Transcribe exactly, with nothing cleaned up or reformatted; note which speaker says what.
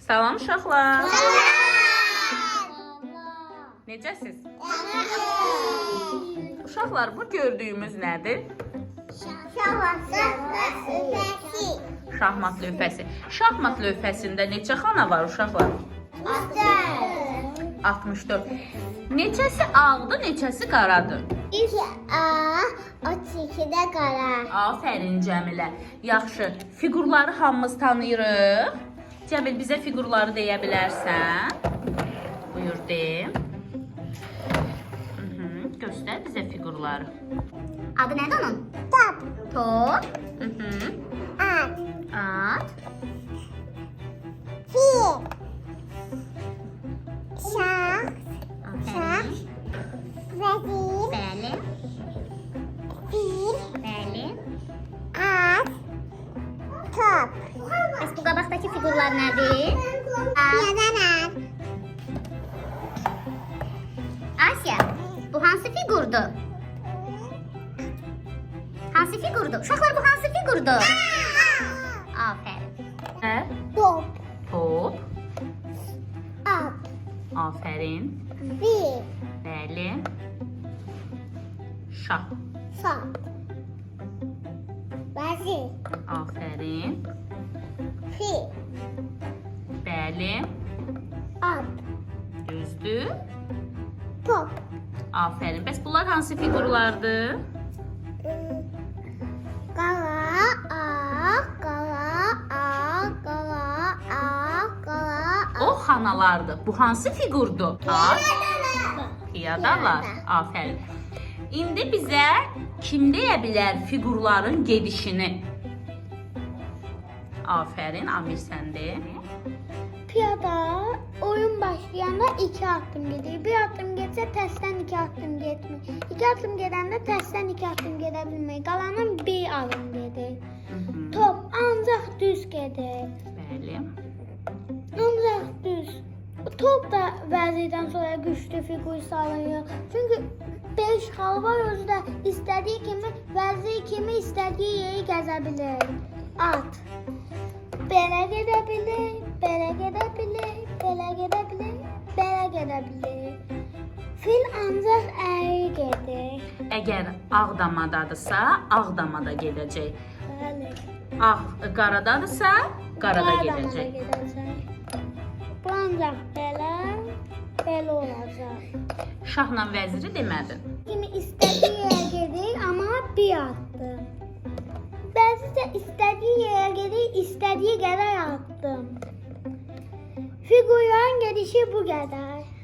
Speaker 1: Salam uşaqlar. Necəsiz? Uşaqlar, bu gördüyümüz nədir? Şahmat lövhəsi. Şahmat lövhəsində neçə xana var uşaqlar? altmış dörd. Neçəsi ağdır, neçəsi qaradır?
Speaker 2: İki A, otuz iki də qara.
Speaker 1: Afərin Cəmilə. Yaxşı, fiqurları hamımız tanıyırıq. Cəmil, bizə fiqurları deyə bilərsən? Buyur, de. Hı-hı. Göstər bizə fiqurları.
Speaker 2: Adı nədir onun? Top.
Speaker 1: Top. Hı-hı.
Speaker 2: At.
Speaker 1: At.
Speaker 2: Fil. Şah.
Speaker 1: Afərin.
Speaker 2: Vəzir.
Speaker 1: Bəli.
Speaker 2: Fil.
Speaker 1: Bəli.
Speaker 2: At. Top.
Speaker 3: Bəs bu qabaqdakı fiqurlar nədir?
Speaker 2: Yazanar.
Speaker 3: Asiya, bu hansı fiqurdur? Hansı fiqurdur? Uşaqlar, bu hansı fiqurdur? Afərin.
Speaker 1: Hə?
Speaker 2: Top.
Speaker 1: Top.
Speaker 2: At.
Speaker 1: Afərin.
Speaker 2: Fil.
Speaker 1: Bəli. Şah.
Speaker 2: Şah. Vəzir.
Speaker 1: Afərin.
Speaker 2: Fil.
Speaker 1: Bəli.
Speaker 2: At.
Speaker 1: Düzdür.
Speaker 2: Top.
Speaker 1: Afərin. Bəs bunlar hansı fiqurlardır?
Speaker 2: Qara, ağ, qara, ağ, qara, ağ, qara,
Speaker 1: O xanalardır. Bu hansı fiqurdur? At. Piyadalar. Afərin. İndi bizə kim deyə bilər fiqurların gedişini? Afərin, Amir sən de.
Speaker 2: Piyada oyun başlayanda iki addım gedir. Bir addım getsə tərsdən iki addım getmir. İki addım gedəndə tərsdən iki addım gedə bilmir. Qalanın bir adım gedir.
Speaker 1: Hı-hı.
Speaker 2: Top ancaq düz gedir.
Speaker 1: Bəli.
Speaker 2: Ancaq düz. Top da vəzirdən sonra güclü fiqur salınır. Çünki beş xal var, özü də istədiyi kimi, vəzir kimi istədiyi yeri gəzə bilir. At. Belə gedə bilir, belə gedə bilir, belə gedə bilir, belə gedə bilir. Fil ancaq əyri gedir.
Speaker 1: Əgər Ağdamadadırsa, Ağdamada gedəcək.
Speaker 2: Bəli.
Speaker 1: Ağ qaradadırsa, qarada
Speaker 2: Qaradamada
Speaker 1: gedəcək.
Speaker 2: gedəcək. Bu ancaq belə, belə olacaq.
Speaker 1: Şahla vəziri demədin.
Speaker 2: Kimi istədiyi yerə gedir, amma bir addım. Bəzi də istədiyi yerə gedir, istədiyi qədər addım. Fiqurların gedişi bu qədər.